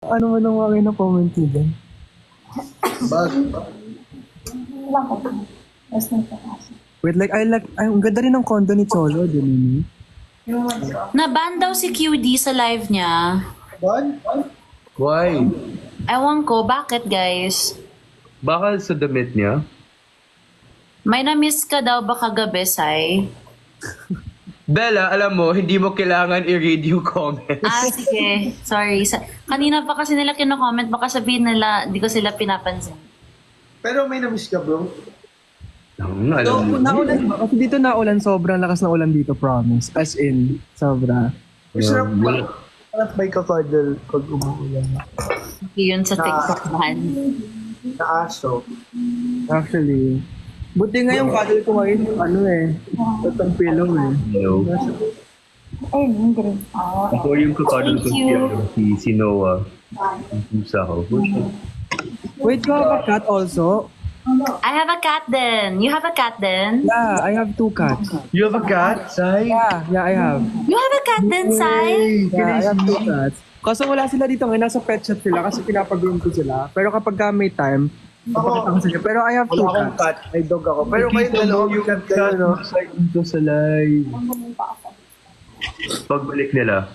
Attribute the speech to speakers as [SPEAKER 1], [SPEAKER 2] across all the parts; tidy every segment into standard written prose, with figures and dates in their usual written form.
[SPEAKER 1] Ano man ang mga na-comment mo dyan?
[SPEAKER 2] Wala ko. Mas nagpapasa.
[SPEAKER 1] Wait, like, ang ganda rin ng condo ni Cholo, di ba?
[SPEAKER 3] Naban daw si QD sa live niya.
[SPEAKER 4] Why?
[SPEAKER 3] Ewan ko, bakit guys?
[SPEAKER 4] Baka sa damit niya?
[SPEAKER 3] May na-miss ka daw ba kagabi, Sai?
[SPEAKER 4] Bella, alam mo, hindi mo kailangan i-read yung comments.
[SPEAKER 3] Sige. Sorry. Kanina pa kasi nila kino-comment, baka sabihin nila, di ko sila pinapansin.
[SPEAKER 5] Pero may na-miss ka, bro.
[SPEAKER 4] Alam mo.
[SPEAKER 1] Naulan ba? Kasi dito naulan, sobrang lakas na ulan dito, promise. As in, sobra.
[SPEAKER 5] Masarap ba? Sarap may kakadal pag umuulan.
[SPEAKER 3] Yun sa TikTok man.
[SPEAKER 5] Na aso.
[SPEAKER 1] Actually. Buti nga yung cuddle ko ngayon, yung ano tatang pillow
[SPEAKER 4] No.
[SPEAKER 2] Ay, hindi rin.
[SPEAKER 4] Ako yung kakadal ko si Noah. Yung pusa ko.
[SPEAKER 1] Wait, you have a cat also?
[SPEAKER 3] I have a cat then. You have a cat then?
[SPEAKER 1] Yeah, I have 2 cats.
[SPEAKER 4] You have a cat, Sai?
[SPEAKER 1] Yeah, I have.
[SPEAKER 3] You have a cat then, Sai?
[SPEAKER 1] Yeah, I have 2 cats. Kaso wala sila dito ngayon, nasa pet shop sila kasi pinapag-groom ko sila. Pero kapag may time, papakita ko sila. Pero I have 2
[SPEAKER 5] Wala akong
[SPEAKER 1] cats.
[SPEAKER 5] cat. May dog ako. Pero kayo dalawa, may cat kayo, no?
[SPEAKER 4] Dito sa live. Pagbalik nila.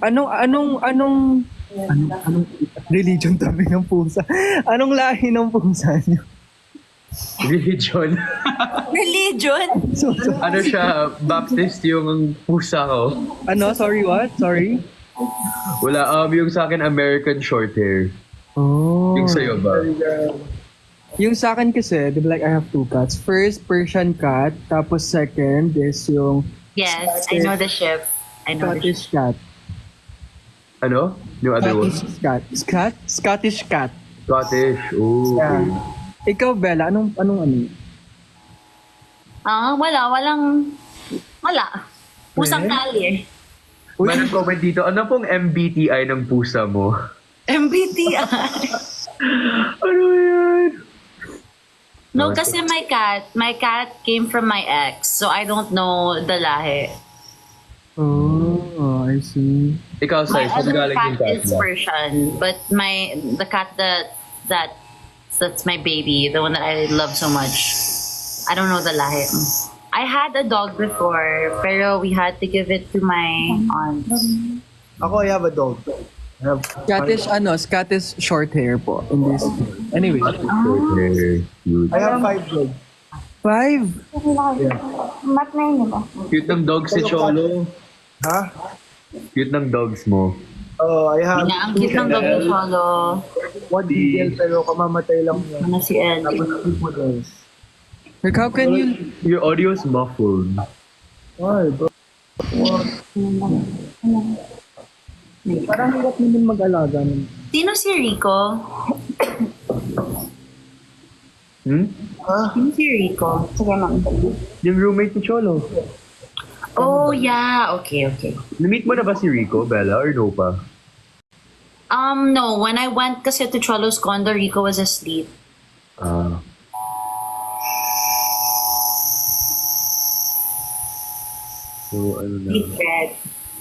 [SPEAKER 1] Anong religion tabi ng pusa? Anong lahi ng pusa niyo?
[SPEAKER 4] Religion.
[SPEAKER 3] Religion?
[SPEAKER 4] Ano siya, Baptist yung pusa ko.
[SPEAKER 1] Ano? Sorry, what? Sorry?
[SPEAKER 4] Wala, yung sa akin American short hair.
[SPEAKER 1] Oh.
[SPEAKER 4] Yung sa'yo ba?
[SPEAKER 1] Yung sa akin kasi, di ba, like I have 2 cats. First, Persian cat. Tapos second is yung
[SPEAKER 3] Yes, I know the ship. I know the ship.
[SPEAKER 1] Scottish cat.
[SPEAKER 4] Ano? Yung other one?
[SPEAKER 1] Scottish cat? Scottish cat.
[SPEAKER 4] Scottish. Oh, okay.
[SPEAKER 1] Yeah. Ikaw, Bella, anong ano?
[SPEAKER 3] Wala. Pusang kali eh.
[SPEAKER 4] May nag-comment dito, ano pong MBTI ng pusa mo?
[SPEAKER 3] MBTI.
[SPEAKER 4] Ano yan?
[SPEAKER 3] No, kasi my cat came from my ex, so I don't know the lahi.
[SPEAKER 1] Oh, I see.
[SPEAKER 4] Ikaw,
[SPEAKER 3] My
[SPEAKER 4] Sai, saan
[SPEAKER 3] other
[SPEAKER 4] galing yung
[SPEAKER 3] cat
[SPEAKER 4] cat
[SPEAKER 3] is
[SPEAKER 4] mo?
[SPEAKER 3] Persian, but the cat that's my baby, the one that I love so much. I don't know the lahi. I had a dog before, pero we had to give it to my aunt.
[SPEAKER 5] Ako, I have a dog. I have
[SPEAKER 1] Scottish short hair po. In this. Anyway.
[SPEAKER 4] Okay, cute.
[SPEAKER 5] I have 5 dogs.
[SPEAKER 1] 5?
[SPEAKER 2] Mat na yun, diba?
[SPEAKER 4] Cute ng dogs si Cholo.
[SPEAKER 5] Ha?
[SPEAKER 4] Cute ng dogs mo.
[SPEAKER 5] Oh, I have
[SPEAKER 3] Ang cute ng dog ni Cholo.
[SPEAKER 5] 1 beagle pero kamamatay lang niya.
[SPEAKER 3] Ano si Ellie?
[SPEAKER 5] Tapos 2 poodles.
[SPEAKER 1] Like, how can you...
[SPEAKER 4] Your audio is muffled.
[SPEAKER 5] Why, bro?
[SPEAKER 1] Parang hirap naman mag-alaga nun.
[SPEAKER 3] Sino si Rico? Sino si Rico?
[SPEAKER 2] Sige, ma'am.
[SPEAKER 4] Yung roommate ni Cholo.
[SPEAKER 3] Oh, yeah. Okay.
[SPEAKER 4] Na-meet mo na ba si Rico, Bella, or no pa?
[SPEAKER 3] No. When I went kasi to Cholo's condo, Rico was asleep.
[SPEAKER 4] So, ano na.
[SPEAKER 3] Secret.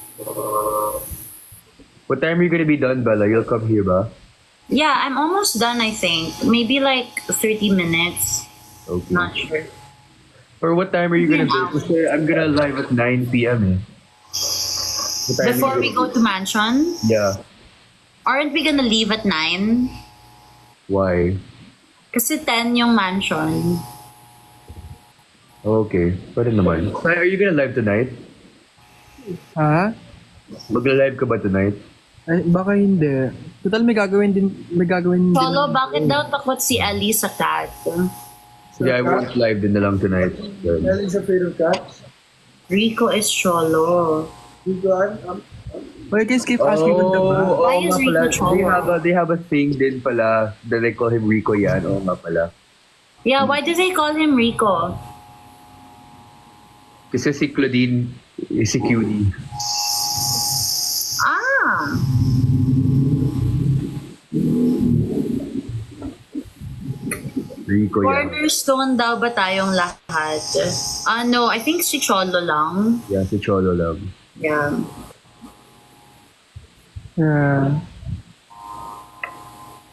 [SPEAKER 4] What time are you gonna be done, Bella? You'll come here ba?
[SPEAKER 3] Yeah, I'm almost done, I think. Maybe like 30 minutes.
[SPEAKER 4] Okay.
[SPEAKER 3] Not sure.
[SPEAKER 4] Or what time are you gonna be? Kasi I'm gonna live at 9 p.m. eh. What time
[SPEAKER 3] Before
[SPEAKER 4] are
[SPEAKER 3] we
[SPEAKER 4] you
[SPEAKER 3] go to mansion,
[SPEAKER 4] Yeah.
[SPEAKER 3] aren't we gonna leave at 9?
[SPEAKER 4] Why?
[SPEAKER 3] Kasi 10 yung mansion.
[SPEAKER 4] Okay. Pwede naman. Are you gonna live tonight?
[SPEAKER 1] Ha?
[SPEAKER 4] Magla-live ka ba tonight?
[SPEAKER 1] Ay, baka hindi. Total, may gagawin din.
[SPEAKER 3] Cholo, bakit daw takot si Ellie sa cat?
[SPEAKER 4] Sige, I won't live din na lang tonight.
[SPEAKER 5] Ellie's afraid of cats.
[SPEAKER 3] Rico is Cholo.
[SPEAKER 5] You got
[SPEAKER 1] Well, you can keep asking what the ba?
[SPEAKER 3] Why is Rico Cholo?
[SPEAKER 4] They have a thing din pala that they call him Rico yan. Oo nga pala.
[SPEAKER 3] Yeah, why do they call him Rico?
[SPEAKER 4] Kasi si Claudine is si Cutie.
[SPEAKER 3] Ah!
[SPEAKER 4] Rico yan.
[SPEAKER 3] Cornerstone daw ba tayong lahat? No, I think si Cholo lang.
[SPEAKER 4] Yeah, si Cholo lang.
[SPEAKER 3] Yeah.
[SPEAKER 1] Yeah.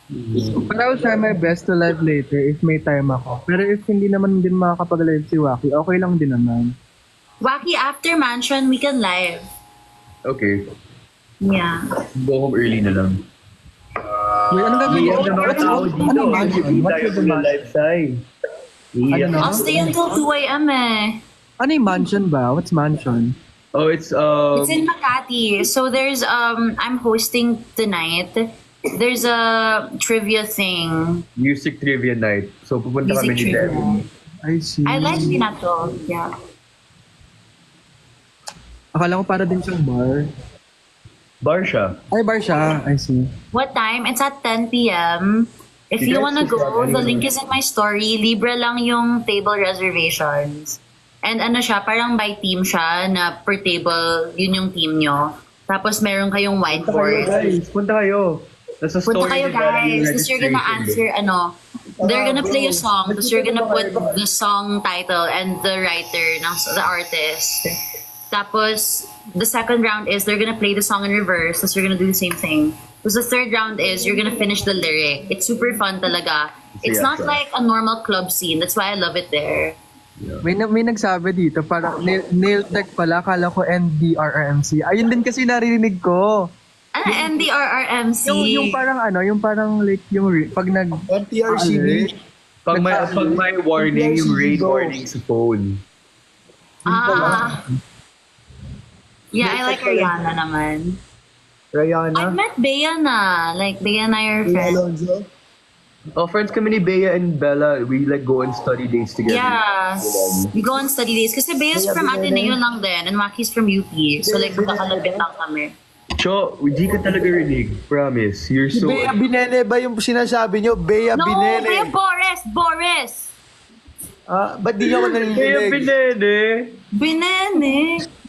[SPEAKER 1] But I will try my best to live later if may time ako. Pero if hindi naman din makakapag-live si Waki, okay lang din naman.
[SPEAKER 3] Waki, after Mansion, we can live.
[SPEAKER 4] Okay.
[SPEAKER 3] Yeah.
[SPEAKER 4] Go home early na lang.
[SPEAKER 1] Wait, ano gagawin?
[SPEAKER 4] Iyan na mga tao dito.
[SPEAKER 1] Ano mansion?
[SPEAKER 4] Hindi
[SPEAKER 1] What
[SPEAKER 4] tayo
[SPEAKER 1] is the mansion?
[SPEAKER 4] live side. Iyan.
[SPEAKER 1] Ano?
[SPEAKER 3] I'll stay until 2 a.m. eh.
[SPEAKER 1] Ano yung mansion ba? What's mansion?
[SPEAKER 4] Oh, it's
[SPEAKER 3] It's in Makati. So there's I'm hosting tonight. There's a trivia thing.
[SPEAKER 4] music trivia night. So pupunta
[SPEAKER 3] Music
[SPEAKER 4] kami ni
[SPEAKER 3] trivia.
[SPEAKER 4] Devin.
[SPEAKER 1] I see.
[SPEAKER 3] I like Pinato. Yeah.
[SPEAKER 1] Akala ko para din siyang bar.
[SPEAKER 4] Bar siya.
[SPEAKER 1] Ay, bar siya. I see.
[SPEAKER 3] What time? It's at 10 p.m. If
[SPEAKER 4] You
[SPEAKER 3] you
[SPEAKER 4] guys
[SPEAKER 3] wanna
[SPEAKER 4] should
[SPEAKER 3] go,
[SPEAKER 4] grab
[SPEAKER 3] the
[SPEAKER 4] anyone.
[SPEAKER 3] link is in my story. Libre lang yung table reservations. And ano siya, parang by team siya na per table, yun yung team nyo. Tapos meron kayong
[SPEAKER 4] Punta kayo,
[SPEAKER 3] whiteboard.
[SPEAKER 4] guys. Punta kayo. Nasa story
[SPEAKER 3] Punta kayo
[SPEAKER 4] ni Devin yung
[SPEAKER 3] guys. Tapos you're gonna
[SPEAKER 4] registration.
[SPEAKER 3] answer, they're gonna play a song. Tapos you're gonna put the song title and the writer, the artist. Tapos, the second round is they're gonna play the song in reverse. Tapos you're gonna do the same thing. Tapos the third round is you're gonna finish the lyric. It's super fun talaga. It's
[SPEAKER 4] Yeah,
[SPEAKER 3] not
[SPEAKER 4] sure.
[SPEAKER 3] like a normal club scene. That's why I love it there.
[SPEAKER 1] May nagsabi dito, parang nail tech pala, kala ko NDRRMC. Ayun din kasi narinig ko.
[SPEAKER 3] Ano, NDRRMC?
[SPEAKER 1] Yung parang ano, yung parang like, pag nag...
[SPEAKER 5] NTRCB.
[SPEAKER 4] Pag may warning, yung rain warning sa phone.
[SPEAKER 3] Ah. Yeah, I like Ariana naman. I've
[SPEAKER 5] Rihanna.
[SPEAKER 3] met Bea na. Like, Bea and I are
[SPEAKER 5] Bea
[SPEAKER 3] friends.
[SPEAKER 5] Alonzo.
[SPEAKER 4] Oh, friends kami ni Bea and Bella. We like go on study dates together.
[SPEAKER 3] Yeah. We go on study days. Kasi Bea's
[SPEAKER 5] Bea
[SPEAKER 3] from
[SPEAKER 5] Binene.
[SPEAKER 3] Ateneo lang din. And Maki's from UP. So like,
[SPEAKER 5] Bea
[SPEAKER 3] magkakalapit
[SPEAKER 5] Binene.
[SPEAKER 3] lang kami.
[SPEAKER 4] Cho, di ka talaga rinig. Promise. You're
[SPEAKER 5] Si
[SPEAKER 4] so...
[SPEAKER 5] Bea Binene ba yung sinasabi nyo? Bea
[SPEAKER 3] No,
[SPEAKER 5] Binene.
[SPEAKER 3] Bea Boris! Boris!
[SPEAKER 5] Ah, ba't di nyo ako
[SPEAKER 4] Bea
[SPEAKER 5] narinig?
[SPEAKER 4] Binene!
[SPEAKER 3] Binene!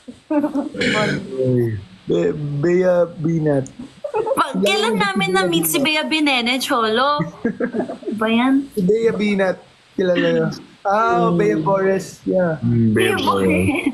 [SPEAKER 5] Bea Binat.
[SPEAKER 3] Kailan namin na-meet si Bea Binene, Cholo? Ba yan?
[SPEAKER 5] Si Bea Binat. Kilala nyo. Ah, Bea Forest. Yeah.
[SPEAKER 3] Bea
[SPEAKER 4] Bea
[SPEAKER 3] Boris!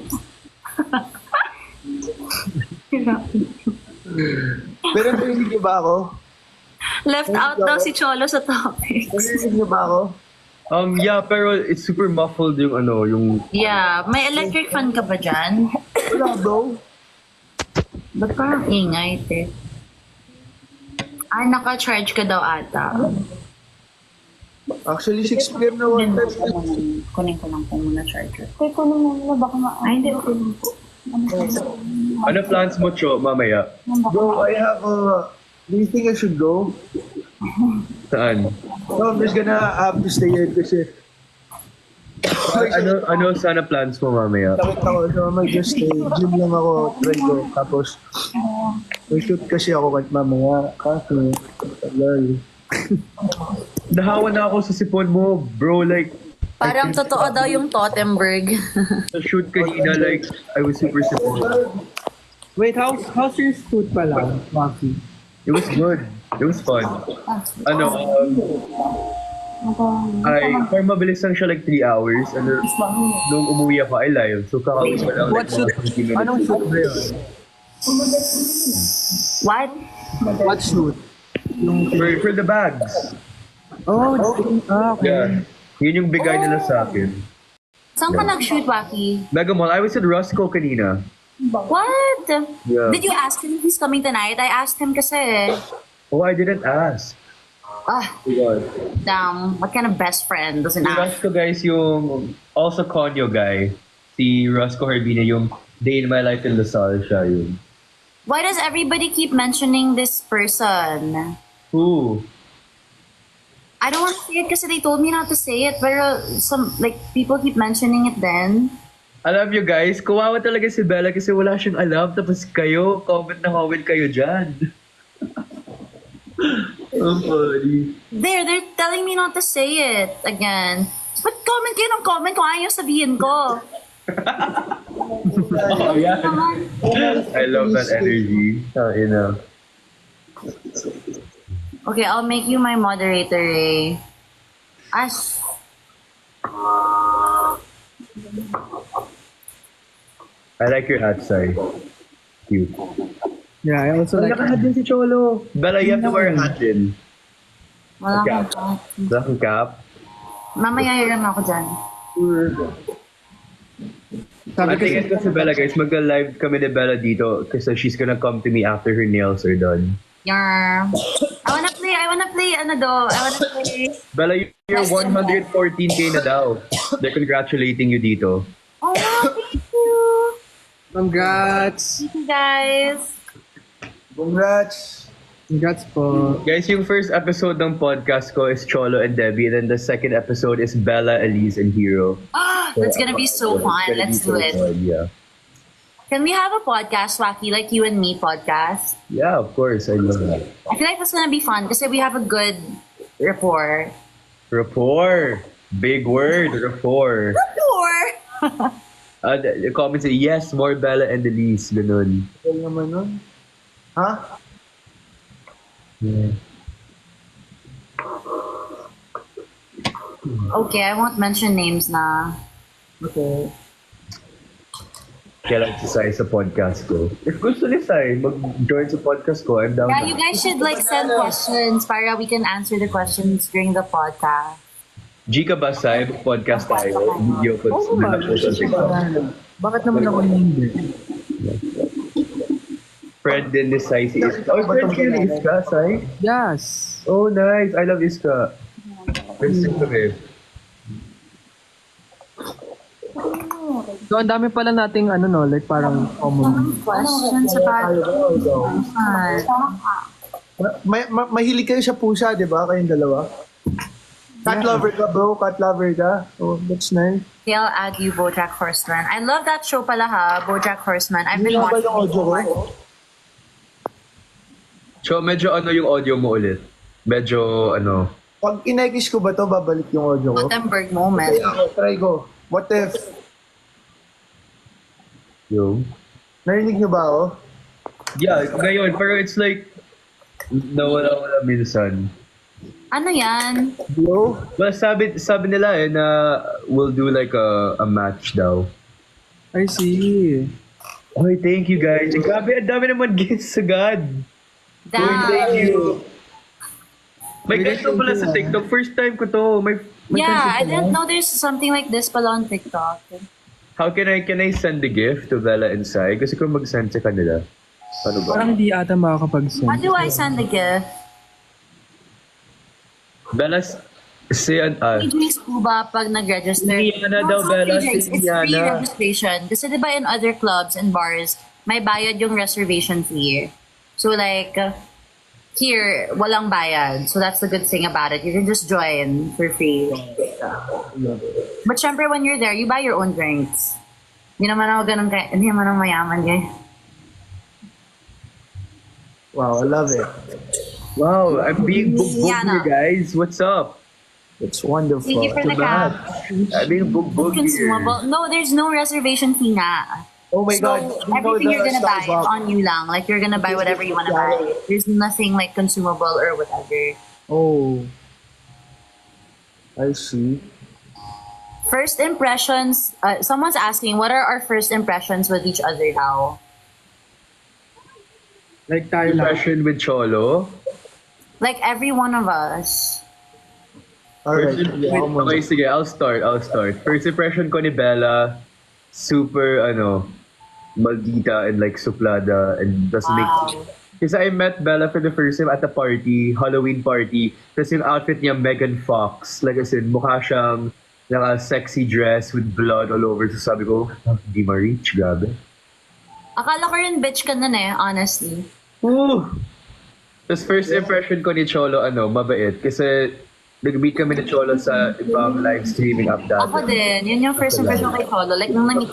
[SPEAKER 5] Pero narinig nyo ba ako?
[SPEAKER 3] Left out daw si Cholo sa topics.
[SPEAKER 5] Narinig nyo ba ako?
[SPEAKER 4] Yeah, pero it's super muffled yung ano, yung...
[SPEAKER 3] Yeah. May electric fan ka ba dyan?
[SPEAKER 5] Wala, bro.
[SPEAKER 3] Ba't parang ingay, te? Ah, naka-charge ka daw ata.
[SPEAKER 5] Actually, 6 p.m. na one time.
[SPEAKER 3] Kunin ko lang po muna charger.
[SPEAKER 2] Kaya ko naman na baka
[SPEAKER 3] Ay, hindi. Okay lang po.
[SPEAKER 4] Ano plans mo, Cho, mamaya?
[SPEAKER 5] Bro, I have a... Do you think I should go?
[SPEAKER 4] Saan?
[SPEAKER 5] No, I'm just gonna have to stay here kasi
[SPEAKER 4] Ano sana plans mo mamaya?
[SPEAKER 5] sakit ako. So, I might just stay. Gym lang ako. Try ko. Tapos, may shoot kasi ako kahit mamaya. Kaso, tagal.
[SPEAKER 4] Nahawa na ako sa sipon mo, bro. Like,
[SPEAKER 3] Parang totoo daw yung Tottenberg.
[SPEAKER 4] sa shoot kanina, like, I was super sipon.
[SPEAKER 1] Wait, how's your shoot pala, Waki?
[SPEAKER 4] It was good. It was fun. Ano, for mabilis lang siya like 3 hours. Ano, nung umuwi ako, I live. So, kakawin ko lang
[SPEAKER 1] What
[SPEAKER 4] like
[SPEAKER 1] shoot?
[SPEAKER 4] mga 20 minutes.
[SPEAKER 1] Anong shoot ba yun?
[SPEAKER 3] What?
[SPEAKER 1] What shoot?
[SPEAKER 4] For the bags.
[SPEAKER 1] Oh, okay.
[SPEAKER 4] Yeah. Yun yung bigay nila sa akin.
[SPEAKER 3] Saan ka nag-shoot, Waki?
[SPEAKER 4] Mega Mall, I was at Roscoe kanina.
[SPEAKER 3] What?
[SPEAKER 4] Yeah.
[SPEAKER 3] Did you ask him if he's coming tonight? I asked him kasi.
[SPEAKER 4] Oh, I didn't ask.
[SPEAKER 3] Ah, damn. What kind of best friend doesn't
[SPEAKER 4] Si
[SPEAKER 3] ask?
[SPEAKER 4] Roscoe, guys, yung also Conyo guy. Si Roscoe Harbina, yung Day in My Life in Lasal siya yun.
[SPEAKER 3] Why does everybody keep mentioning this person?
[SPEAKER 4] Who?
[SPEAKER 3] I don't want to say it kasi they told me not to say it, pero people keep mentioning it then.
[SPEAKER 4] Alam nyo guys, kawawa talaga si Bella kasi wala siyang alam. Tapos kayo, comment na comment kayo dyan. Oh, funny.
[SPEAKER 3] They're telling me not to say it again. But comment kayo ng comment kung ayaw sabihin ko.
[SPEAKER 4] Oh, yeah. I love that energy. You know.
[SPEAKER 3] Okay, I'll make you my moderator, eh. Ash.
[SPEAKER 4] I like your hat, Sai. Cute.
[SPEAKER 1] Yeah, I also like...
[SPEAKER 4] Naka-hat din si Cholo. Bella, you have to wear a hat din.
[SPEAKER 3] Wala
[SPEAKER 4] Cap.
[SPEAKER 3] akong
[SPEAKER 4] Wala kang cap?
[SPEAKER 3] Mamaya hiram ako dyan.
[SPEAKER 1] Sabi
[SPEAKER 4] Ang
[SPEAKER 1] kasi,
[SPEAKER 4] tingin ko si Bella, guys, magka-live kami ni Bella dito kasi she's gonna come to me after her nails are done.
[SPEAKER 3] Yarr. I wanna play,
[SPEAKER 4] Bella, you're 114K na daw. They're congratulating you dito.
[SPEAKER 3] Oh, thank you.
[SPEAKER 1] congrats!
[SPEAKER 3] Thank you, guys.
[SPEAKER 5] Congrats!
[SPEAKER 1] Congrats po.
[SPEAKER 4] Guys, yung first episode ng podcast ko is Cholo and Debbie, and then the second episode is Bella, Elise, and Hero.
[SPEAKER 3] That's gonna be so fun.
[SPEAKER 4] It's gonna
[SPEAKER 3] Let's
[SPEAKER 4] be
[SPEAKER 3] do
[SPEAKER 4] so
[SPEAKER 3] it.
[SPEAKER 4] fun, yeah.
[SPEAKER 3] Can we have a podcast, Wacky, like you and me podcast?
[SPEAKER 4] Yeah, of course. I love that.
[SPEAKER 3] I feel like that's gonna be fun because we have a good rapport.
[SPEAKER 4] Rapport. Big word, rapport.
[SPEAKER 3] Rapport?
[SPEAKER 4] The comments say, yes, more Bella and Elise. Ganun.
[SPEAKER 5] Ano naman nun? Ha?
[SPEAKER 4] Yeah.
[SPEAKER 3] Okay, I won't mention names na.
[SPEAKER 5] Okay.
[SPEAKER 4] Kailan si Sai sa podcast ko. If gusto ni Sai mag-join sa podcast ko, I'm down.
[SPEAKER 3] Yeah, you guys should like send questions para we can answer the questions during the podcast.
[SPEAKER 4] G ka ba, Sai? Podcast tayo. Video ko.
[SPEAKER 1] Oo naman. Bakit naman ako hindi?
[SPEAKER 4] Friend din ni Sai si Iska. Oh, friend kayo ni Iska, Sai?
[SPEAKER 1] Yes.
[SPEAKER 4] Oh, nice. I love Iska. Friends din kami.
[SPEAKER 1] So, ang dami pala nating ano no, like parang common.
[SPEAKER 3] Questions about
[SPEAKER 5] Mahilig kayo sa pusa, di ba? Kayong dalawa? Cat lover ka, bro. Cat lover ka. Oh, that's nice.
[SPEAKER 3] Okay, I'll add you, BoJack Horseman. I love that show pala ha, BoJack Horseman. I've been
[SPEAKER 5] Hindi na ba
[SPEAKER 3] watching
[SPEAKER 5] yung audio ko?
[SPEAKER 3] it.
[SPEAKER 4] So, medyo ano yung audio mo ulit? Medyo ano?
[SPEAKER 5] Pag inekis ko ba to, babalik yung audio ko?
[SPEAKER 3] Gutenberg moment.
[SPEAKER 5] Okay, ako, try ko. What if?
[SPEAKER 4] Yung?
[SPEAKER 5] Narinig nyo ba ako?
[SPEAKER 4] Yeah, ngayon. Pero it's like, nawala-wala minsan.
[SPEAKER 3] Ano yan?
[SPEAKER 5] Hello?
[SPEAKER 4] Well, sabi nila na we'll do like a match daw.
[SPEAKER 1] I see.
[SPEAKER 4] Oy, thank you guys. Grabe, ang dami naman gifts sa God. Oy, thank
[SPEAKER 3] Damn.
[SPEAKER 4] you. May ganito pala sa TikTok. First time ko to. May
[SPEAKER 3] Yeah, I
[SPEAKER 4] ganito pala.
[SPEAKER 3] didn't know there's something like this pala on TikTok.
[SPEAKER 4] How can I send the gift to Bella and Sai? Kasi kung mag-send sa kanila. Ano ba?
[SPEAKER 1] Parang hindi ata makakapag-send.
[SPEAKER 3] How do I send the gift?
[SPEAKER 4] Bella, si
[SPEAKER 3] Drinks po ba pag nag-register?
[SPEAKER 4] Indiana daw,
[SPEAKER 3] it's not
[SPEAKER 4] Bella.
[SPEAKER 3] free drinks,
[SPEAKER 4] Si
[SPEAKER 3] it's free
[SPEAKER 4] Indiana.
[SPEAKER 3] registration. Kasi diba in other clubs and bars, may bayad yung reservation fee. So like, here, walang bayad. So that's the good thing about it. You can just join for free. But syempre, when you're there, you buy your own drinks. Hindi naman ako ganun hindi naman ako mayaman guys.
[SPEAKER 5] Wow, I love it.
[SPEAKER 4] Wow, I'm being booked
[SPEAKER 3] Indiana.
[SPEAKER 4] here, guys. What's up?
[SPEAKER 5] It's wonderful.
[SPEAKER 3] Thank you for the cap.
[SPEAKER 4] I'm being booked here.
[SPEAKER 3] Consumable. No, there's no reservation fee na.
[SPEAKER 5] Oh my
[SPEAKER 3] So
[SPEAKER 5] God. You know
[SPEAKER 3] everything you're
[SPEAKER 5] the
[SPEAKER 3] gonna buy is
[SPEAKER 5] Starbucks?
[SPEAKER 3] on you lang. Like you're gonna buy whatever you wanna buy. There's nothing like consumable or whatever.
[SPEAKER 5] Oh. I see.
[SPEAKER 3] First impressions. Someone's asking, what are our first impressions with each other now?
[SPEAKER 1] Like tayo lang.
[SPEAKER 4] Impression with Cholo.
[SPEAKER 3] Like every one of us.
[SPEAKER 5] Alright.
[SPEAKER 4] First,
[SPEAKER 5] Yeah, ako muna.
[SPEAKER 4] okay, sige, I'll start. First impression ko ni Bella, super, maldita and like suplada and doesn't make sense. Kasi I met Bella for the first time at a party, Halloween party. Tapos yung outfit niya, Megan Fox. Like I said, mukha siyang naka-sexy dress with blood all over. So sabi ko, di ma-reach, grabe.
[SPEAKER 3] Akala ko rin bitch ka nun honestly.
[SPEAKER 4] Ooh! Tapos first impression ko ni Cholo, mabait. Kasi nag-meet kami ni Cholo sa ibang live streaming app dati.
[SPEAKER 3] Ako din. Yun yung first impression kay Cholo. Like nung na-meet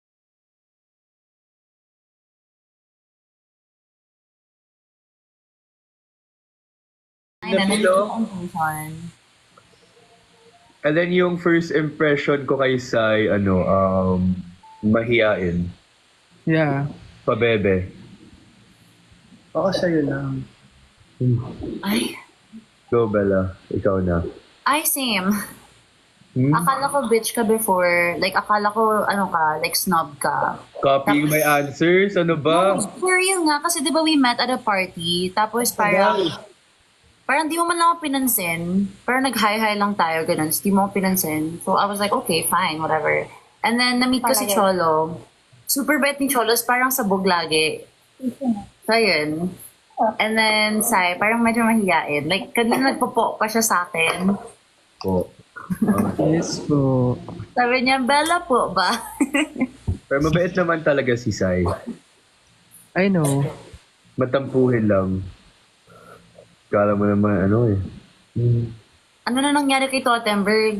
[SPEAKER 3] Ay,
[SPEAKER 4] Hello?
[SPEAKER 3] person.
[SPEAKER 4] And then yung first impression ko kay Sai, mahiyain.
[SPEAKER 1] Yeah.
[SPEAKER 4] Pabebe.
[SPEAKER 5] Ako sa'yo lang.
[SPEAKER 3] Ay.
[SPEAKER 4] Go, Bella. Ikaw na.
[SPEAKER 3] Ay, same.
[SPEAKER 4] Hmm?
[SPEAKER 3] Akala ko bitch ka before. Like, akala ko, like snob ka.
[SPEAKER 4] Copying my answers? Ano ba?
[SPEAKER 3] For real nga, kasi di ba we met at a party, tapos parang, parang di mo man lang ako pinansin. Parang nag-hi-hi lang tayo, ganun. So, di mo ako pinansin. So, I was like, okay, fine, whatever. And then, na-meet ko si Cholo. Super bait ni Cholo, parang sabog lagi. So, yun. And then, Sai, parang medyo mahiyain. Like, kanina nagpopo pa siya sa akin.
[SPEAKER 4] Po.
[SPEAKER 1] Yes po.
[SPEAKER 3] Sabi niya, Bella po ba?
[SPEAKER 4] Pero mabait naman talaga si Sai.
[SPEAKER 1] I know.
[SPEAKER 4] Matampuhin lang. Kala mo naman, ano eh.
[SPEAKER 3] Ano na nangyari kay Tottenberg?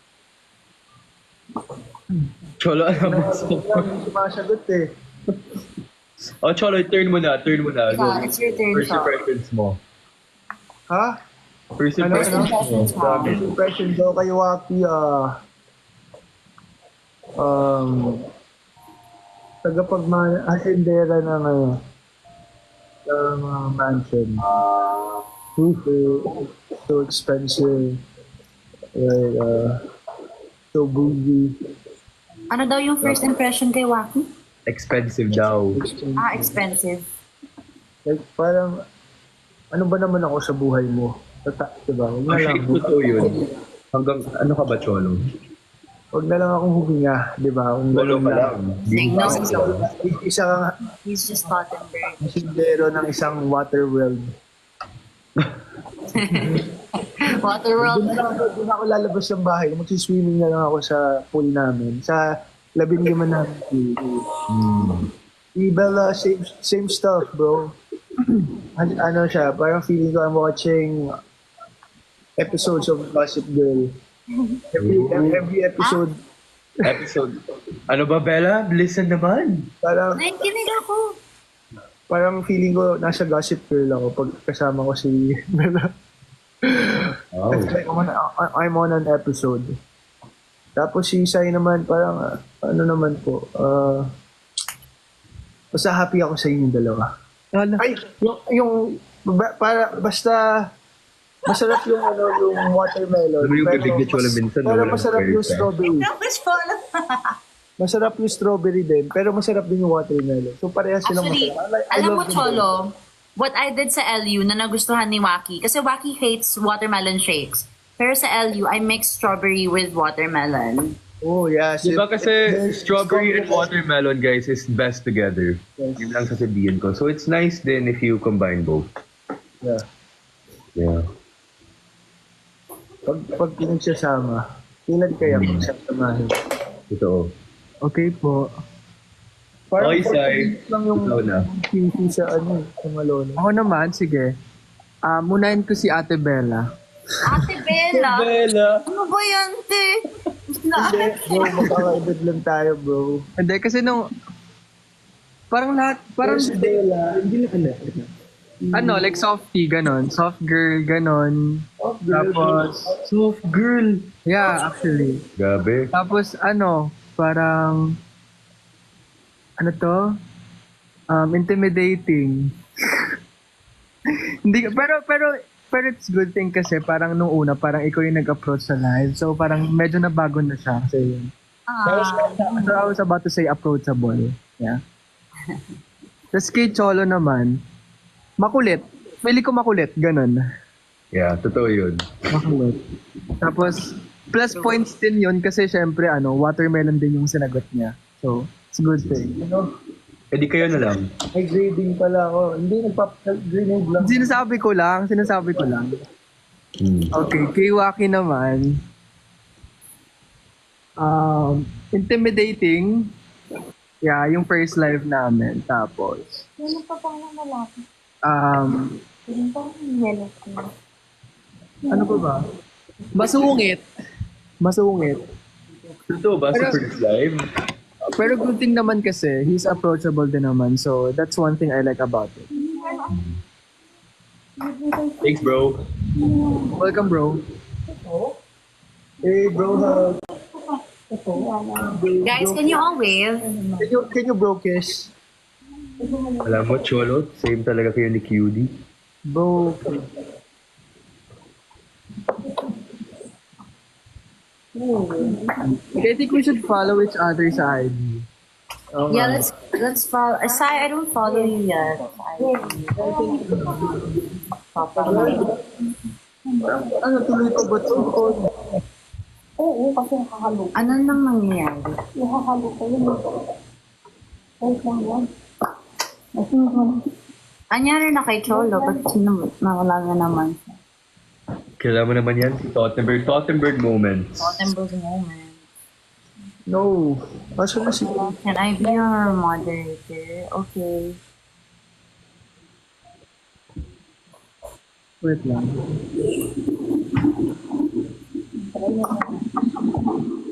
[SPEAKER 4] Cholo, alam mo.
[SPEAKER 5] Walang sumasagot eh.
[SPEAKER 4] Oh, Cholo, turn mo na. Go.
[SPEAKER 3] It's your turn,
[SPEAKER 4] First
[SPEAKER 3] Cholo.
[SPEAKER 4] impressions mo.
[SPEAKER 5] Ha?
[SPEAKER 4] First
[SPEAKER 5] Ano,
[SPEAKER 4] impressions mo.
[SPEAKER 3] impressions mo.
[SPEAKER 4] Sabi.
[SPEAKER 5] First impression daw kay Waki, asendera ng mansion. So expensive. Like, so bougie.
[SPEAKER 3] Ano daw yung first impression kay Waki?
[SPEAKER 4] Expensive daw.
[SPEAKER 3] Ah, expensive.
[SPEAKER 5] Like, parang, ano ba naman ako sa buhay mo? Diba? Huwag na lang.
[SPEAKER 4] Actually, totoo yun. Hanggang, ano ka ba, Cholo?
[SPEAKER 5] Huwag na lang akong huminga, di ba? Kung
[SPEAKER 4] Cholo
[SPEAKER 5] ganun
[SPEAKER 4] ka lang.
[SPEAKER 3] Signal.
[SPEAKER 5] Isa kang
[SPEAKER 3] He's just Tottenberg.
[SPEAKER 5] asindero ng isang water world.
[SPEAKER 3] Waterworld.
[SPEAKER 5] Doon ako lalabas ng bahay. Magsiswimming na lang ako sa pool namin. Sa 15 namin pool. Bella, same stuff, bro. Ano siya, parang feeling ko I'm watching episodes of Gossip Girl. Every episode,
[SPEAKER 4] Episode. Ano ba, Bella? Listen naman.
[SPEAKER 5] parang
[SPEAKER 3] Nakikinig ako.
[SPEAKER 5] feeling ko nasa Gossip Girl ako pag kasama ko si Bella.
[SPEAKER 4] Oh.
[SPEAKER 5] It's like I'm on an episode. Tapos si Sai naman parang ano naman po, basta happy ako sa inyong dalawa.
[SPEAKER 1] Wala.
[SPEAKER 5] Ay, basta masarap yung yung watermelon.
[SPEAKER 4] Alam mo yung bibig ni Cholo minsan,
[SPEAKER 5] pero
[SPEAKER 4] walang
[SPEAKER 5] masarap yung
[SPEAKER 4] pwersa.
[SPEAKER 5] strawberry.
[SPEAKER 3] Tapos follow.
[SPEAKER 5] Masarap yung strawberry din, pero masarap din yung watermelon. So parehas silang
[SPEAKER 3] Actually,
[SPEAKER 5] masarap. I
[SPEAKER 3] alam
[SPEAKER 5] love
[SPEAKER 3] mo,
[SPEAKER 5] them
[SPEAKER 3] Cholo, what I did sa LU na nagustuhan ni Waki, kasi Waki hates watermelon shakes. Pero sa LU, I mix strawberry with watermelon.
[SPEAKER 5] both. Oh, yeah.
[SPEAKER 4] Diba kasi
[SPEAKER 5] There's
[SPEAKER 4] strawberry and
[SPEAKER 5] combination.
[SPEAKER 4] watermelon, guys, is best together.
[SPEAKER 5] Yes.
[SPEAKER 4] Yun lang sasabihin ko. So it's nice din if you combine both.
[SPEAKER 5] Yeah.
[SPEAKER 4] Yeah.
[SPEAKER 5] Pag pinagsasama, kailan kaya magsasamahin?
[SPEAKER 4] Totoo.
[SPEAKER 1] Okay po.
[SPEAKER 4] Okay,
[SPEAKER 5] 40
[SPEAKER 4] Sai.
[SPEAKER 5] minutes lang yung
[SPEAKER 4] Ikaw na.
[SPEAKER 5] QC sa sa Malone.
[SPEAKER 1] Ako naman, sige. Munahin ko si Ate Bella.
[SPEAKER 3] Ate Bella!
[SPEAKER 4] Bella!
[SPEAKER 3] Ano ba yan, te?
[SPEAKER 5] Bro, magkakaedad lang tayo, bro.
[SPEAKER 1] Hindi, kasi nung... Parang lahat, parang...
[SPEAKER 5] Si Bella, hindi na
[SPEAKER 1] Ano, like softie, ganon. Soft girl, ganon. Tapos...
[SPEAKER 4] Soft girl!
[SPEAKER 1] Yeah, actually.
[SPEAKER 4] Gabi.
[SPEAKER 1] Tapos ano, parang... Ano to? Intimidating. Hindi, pero it's good thing kasi parang nung una, parang ikaw yung nag-approach sa live. So parang medyo nabago na siya. Kasi yun. So I was about to say approachable. Yeah. Tapos kay Cholo naman, makulit. Pili ko makulit, ganun.
[SPEAKER 4] Yeah, totoo yun.
[SPEAKER 1] Makulit. Tapos, plus points din yun kasi syempre, watermelon din yung sinagot niya. So, it's a good thing.
[SPEAKER 4] Eh di kayo na lang.
[SPEAKER 5] May grading pala ako. Hindi, nagpa-grenade lang.
[SPEAKER 1] Sinasabi ko lang. Okay, kay Waki naman, intimidating. Yeah, yung first live namin. Tapos,
[SPEAKER 2] Ano pa pang lalaki?
[SPEAKER 1] um,
[SPEAKER 2] Ano pa yung yellow ko?
[SPEAKER 1] ano pa ba? Masungit.
[SPEAKER 4] Totoo ba sa first live?
[SPEAKER 1] Pero good thing naman kasi, he's approachable din naman. So, that's one thing I like about it.
[SPEAKER 4] Thanks, bro.
[SPEAKER 1] Welcome, bro.
[SPEAKER 5] Hey, bro,
[SPEAKER 3] Guys, can you all wave?
[SPEAKER 5] can you bro kiss?
[SPEAKER 4] Alam mo, Cholo, same talaga kayo ni QD.
[SPEAKER 5] Bro,
[SPEAKER 1] I think we should follow each other's ID.
[SPEAKER 3] Yeah, let's follow. Sai, I don't follow you yet.
[SPEAKER 5] Ano, tuloy pa ba ito?
[SPEAKER 2] Oo, kasi nakahalo.
[SPEAKER 3] Ano nang nangyayari?
[SPEAKER 2] Nakahalo ko yun. Wait lang yan.
[SPEAKER 3] Anyari na kay Cholo, ba't nawala na naman siya?
[SPEAKER 4] Kailangan mo naman yan, si Tottenberg. Tottenberg moments.
[SPEAKER 3] Gothenburg moment.
[SPEAKER 5] No. Kaso na si...
[SPEAKER 3] Can I be your moderator? Okay.
[SPEAKER 1] Wait lang.
[SPEAKER 2] Try mo.